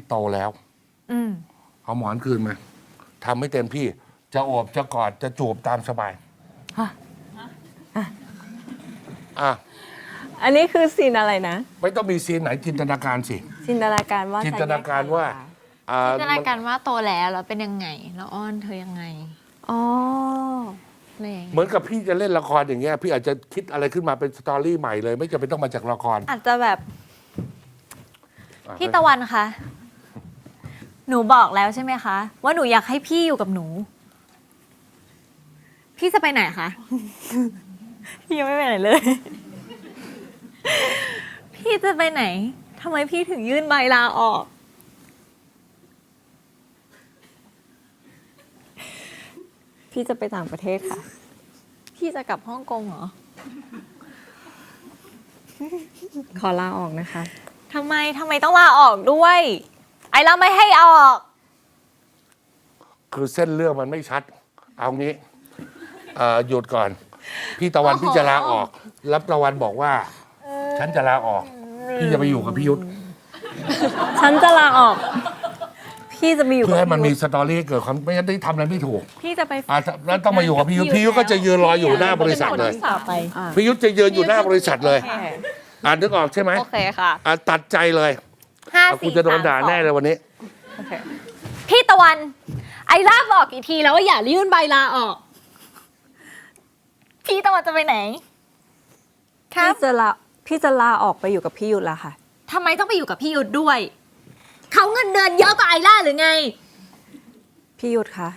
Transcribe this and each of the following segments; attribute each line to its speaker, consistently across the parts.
Speaker 1: โตแล้วเอาหมอนคืนมาทำให้เต็มที่จะโอบจะกอดจะจูบตามสบาย
Speaker 2: อันนี้คือซีนอะไรนะ
Speaker 1: ไม่ต้องมีซีนไหนจินตนาการสิ
Speaker 2: จินตนาการว่า
Speaker 1: จินตนาการว่า
Speaker 3: จินตนาการว่าโตแล้วเป็นยังไงแล้วอ้อนเธอยังไง
Speaker 2: อ๋อ
Speaker 3: อะไรอย่างเงี้ย
Speaker 1: เหมือนกับพี่จะเล่นละครอย่างเงี้ยพี่อาจจะคิดอะไรขึ้นมาเป็นสตอรี่ใหม่เลย ไม่จำเป็นต้องมาจากละคร
Speaker 2: อาจจะแบบ
Speaker 3: พี่ตะวันคะหนูบอกแล้วใช่ไหมคะว่าหนูอยากให้พี่อยู่กับหนู พี่จะไปไหนคะ
Speaker 2: พี่ยังไม่ไปไหนเลย
Speaker 3: พี่จะไปไหนทำไมพี่ถึงยื่นใบลาออก
Speaker 2: พี่จะไปต่างประเทศค่ะ
Speaker 3: พี่จะกลับฮ่องกงเหรอ
Speaker 2: ขอลาออกนะคะ
Speaker 3: ทำไมต้องลาออกด้วย ไอ้เราไม่ให้ออก
Speaker 1: คือเส้นเรื่องมันไม่ชัด เอางี้หยุดก่อน พี่ตะวันพี่จะลาออกแล้วตะวันบอกว่า ฉันจะลาออก พี่จะไปอยู่กับพี่ยุทธ
Speaker 2: ฉันจะลาออก พี่จะมาอยู่
Speaker 1: เพื่อให้มัน
Speaker 2: พี่
Speaker 1: มี
Speaker 2: ยุทธ
Speaker 1: สตอรี่เกิดความไม่งั้นได้ทำอะไรไม่ถูก
Speaker 3: พี่จะไป
Speaker 1: แล้วต้องมาอยู่กับพี่ยุทธพี่ยุทธก็จะยืนรออยู่หน้าบริษัทเลย
Speaker 2: ต่อไป
Speaker 1: พี่ยุทธจะยืนอยู่หน้าบริษัทเลยนึกออกใช่ไหม
Speaker 2: โอเคค่ะ
Speaker 1: ตัดใจเลย
Speaker 3: 5
Speaker 1: กูจะโดนด่าแน่เลยวันนี้
Speaker 2: โอเค
Speaker 3: พี่ตะวัน ไอ้ลาบอกกี่ทีแล้วว่าอย่ายื่นใบลาออก พี่ตะวันจะไปไหน
Speaker 2: พี่จะลาออกไปอยู่กับพี่ยุทธแล้วค่ะ
Speaker 3: ทำไมต้องไปอยู่กับพี่ยุทธด้วย เขาเงินเดือนเยอะกว่าไอล่าหรือไง
Speaker 2: พี่ยุทธคะ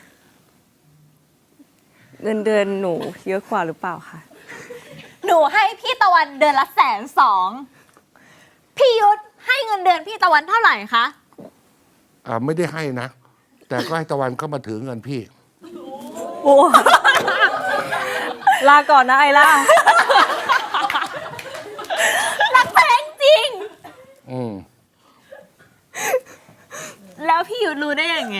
Speaker 2: เงินเดือนหนูเยอะกว่าหรือเปล่าคะ
Speaker 3: หนูให้พี่ตะวันเดือนละ120,000พี่ยุทธให้เงินเดือนพี่ตะวันเท่าไหร่คะ
Speaker 1: ไม่ได้ให้นะ แต่ก็ให้ตะวันเข้ามาถือเงินพี่
Speaker 2: โอ้ลาก่อนนะไอล่า
Speaker 3: รักแพงจริง
Speaker 1: อืม
Speaker 3: แล้วพี่ยุทธรู้ได้ยังไง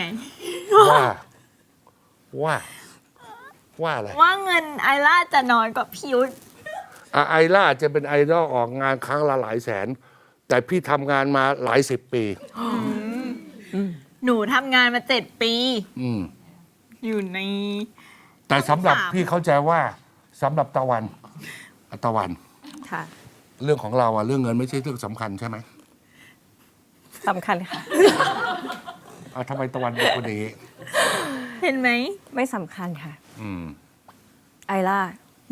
Speaker 1: ว่าอะไร
Speaker 3: ว่าเงินไอล่าจะน้อยกว่าพี่ยุทธ
Speaker 1: ไอล่าจะเป็นไอดอลออกงานครั้งละหลายแสน แต่พี่ทำงานมาหลายสิบปี
Speaker 3: หนูทำงานมา7 ปี
Speaker 1: อืม
Speaker 3: อยู่ใน
Speaker 1: แต่สำหรับ
Speaker 3: 3
Speaker 1: พี่เข้าใจว่าสำหรับตะวัน
Speaker 2: ค่ะ
Speaker 1: เรื่องของเราเรื่องเงินไม่ใช่เรื่องสำคัญใช่ไหม
Speaker 2: สำคัญค่ะ
Speaker 1: ทำไมตะวันเป็นคนอย่างนี้
Speaker 3: เห็นไหม
Speaker 2: ไม่สำคัญค่ะ
Speaker 1: อืม
Speaker 2: ไอล่า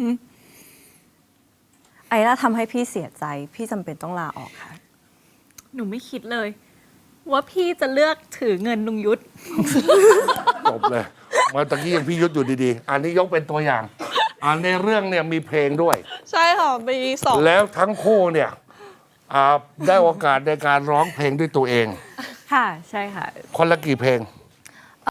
Speaker 2: ไอล่าทำให้พี่เสียใจ พี่จำเป็นต้องลาออกค่ะ
Speaker 3: หนูไม่คิดเลย ว่าพี่จะเลือกถือเงินลุงยุทธ
Speaker 1: จบเลยมาตะกี้ยังพี่ยุทธอยู่ดีๆ อันนี้ยกเป็นตัวอย่างในเรื่องเนี่ยมีเพลงด้วย
Speaker 4: ใช่ค่ะปี2
Speaker 1: แล้วทั้งคู่เนี่ยได้โอกาสในการร้องเพลงด้วยตัวเอง
Speaker 2: ค่ะ ใช่ค่ะ
Speaker 1: คนละกี่เพลง